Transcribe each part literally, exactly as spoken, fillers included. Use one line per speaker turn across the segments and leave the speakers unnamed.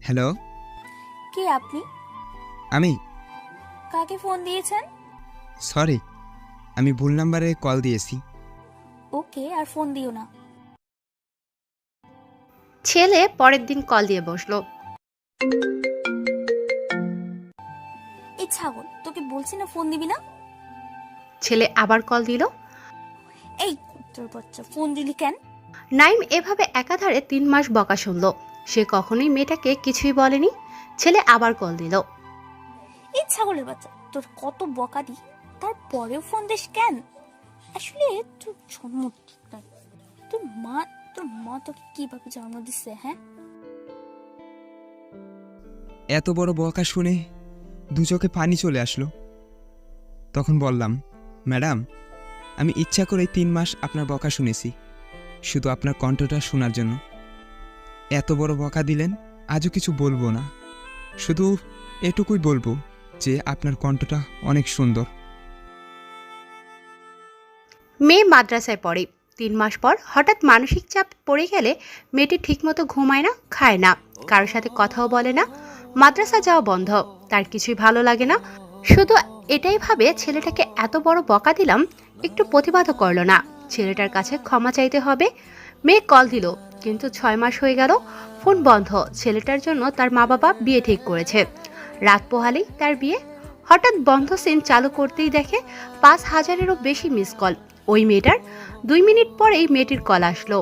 Hello.
কে আপনি?
আমি
কাকে ফোন দিয়েছেন?
সরি, আমি ভুল নাম্বারে কল দিয়েছি।
ওকে, আর ফোন দিও না।
ছেলে পরের দিন কল দিয়ে বসলো।
এই ছাগল, তোকে বলছি না ফোন দিবি না।
ছেলে আবার কল দিল।
এই তোর বাচ্চা, ফোন দিলি কেন?
নাইম এভাবে একাধারে তিন মাস বকা শুনল। সে কখনোই মেয়েটাকে কিছুই বলেনি। ছেলে আবার কল দিল।
এই ছাগলের বাচ্চা, তোর কত বকা দি, তারপরেও ফোন দিস কেন? আসলে তোর জন্ম ঠিক নাই। তোর মা তোর মা তোকে কিভাবে জন্ম দিচ্ছে? হ্যাঁ,
এত বড় বকা শুনে দু চোখে পানি চলে আসলো। তখন বললাম, ম্যাডাম, আমি ইচ্ছা করে তিন মাস আপনার বকা শুনেছি, শুধু আপনার কণ্ঠটা শোনার জন্য। এত বড় বকা দিলেন, আজও কিছু বলবো না, শুধু এটুকুই বলবো যে আপনার কণ্ঠটা অনেক সুন্দর।
মেয়ে মাদ্রাসায় পড়ে। তিন মাস পর হঠাৎ মানসিক চাপ পড়ে গেলে মেয়েটি ঠিকমতো ঘুমায় না, খায় না, কারোর সাথে কথাও বলে না। মাদ্রাসা যাওয়া বন্ধ, তার কিছুই ভালো লাগে না। শুধু এটাই ভাবে, ছেলেটাকে এত বড় বকা দিলাম, একটু প্রতিবাদও করলো না, ছেলেটার কাছে ক্ষমা চাইতে হবে। মেয়ে কল দিল, কিন্তু ছয় মাস হয়ে গেল, ফোন বন্ধ। ছেলেটার জন্য তার মা বাবা বিয়ে ঠিক করেছে। রাত পোহালেই তার বিয়ে। হঠাৎ বন্ধ সিম চালু করতেই দেখে পাঁচ হাজারেরও বেশি মিস কল। ওই মেয়েটার। দুই মিনিট পরেই মেয়েটির কল আসলো।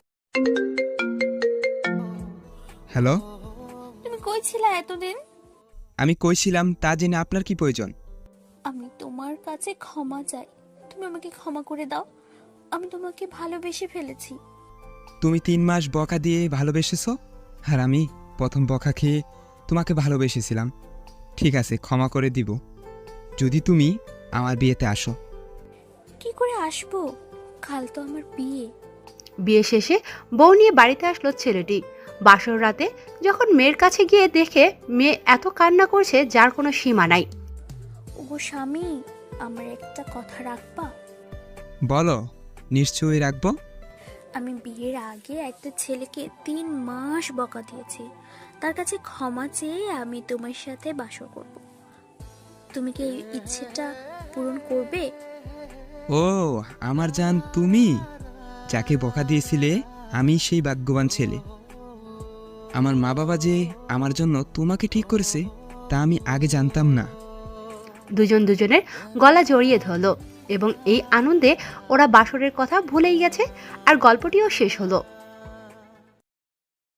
হ্যালো।
তুমি কই ছিলা এতদিন?
আমি কইছিলাম তা জেনে আপনার কি প্রয়োজন?
আমি তোমার কাছে ক্ষমা চাই, তুমি আমাকে ক্ষমা করে দাও। আমি তোমাকে ভালোবেসে ফেলেছি।
তুমি তিন মাস বকা দিয়ে ভালোবেসেছ, আর আমি প্রথম বকা খেয়ে তোমাকে ভালোবেসেছিলাম। ঠিক আছে, ক্ষমা করে দিব যদি তুমি আমার বিয়েতে আসো।
কি করে আসবো? কাল তো আমার বিয়ে।
বিয়ে শেষে বউ নিয়ে বাড়িতে আসলো ছেলেটি। বাসর রাতে যখন মেয়ের কাছে গিয়ে দেখে মেয়ে এত কান্না করছে যার কোনো সীমা নাই।
ও স্বামী, আমার একটা কথা রাখবা?
বলো, নিশ্চয়ই রাখবো।
আমি বিয়ের আগে একটা ছেলেকে তিন মাস বকা দিয়েছি, তার কাছে ক্ষমা চেয়ে আমি তোমার সাথে বাসর করব। তুমি কি এই ইচ্ছেটা পূরণ করবে?
ও আমার জান, তুমি যাকে বকা দিয়েছিলে, আমি সেই ভাগ্যবান ছেলে। আমার মা বাবা যে আমার জন্য তোমাকে ঠিক করেছে তা আমি আগে জানতাম না।
দুজন দুজনের গলা জড়িয়ে ধরলো এবং এই আনন্দে ওরা বাসরের কথা ভুলেই গেছে। আর গল্পটিও শেষ হলো।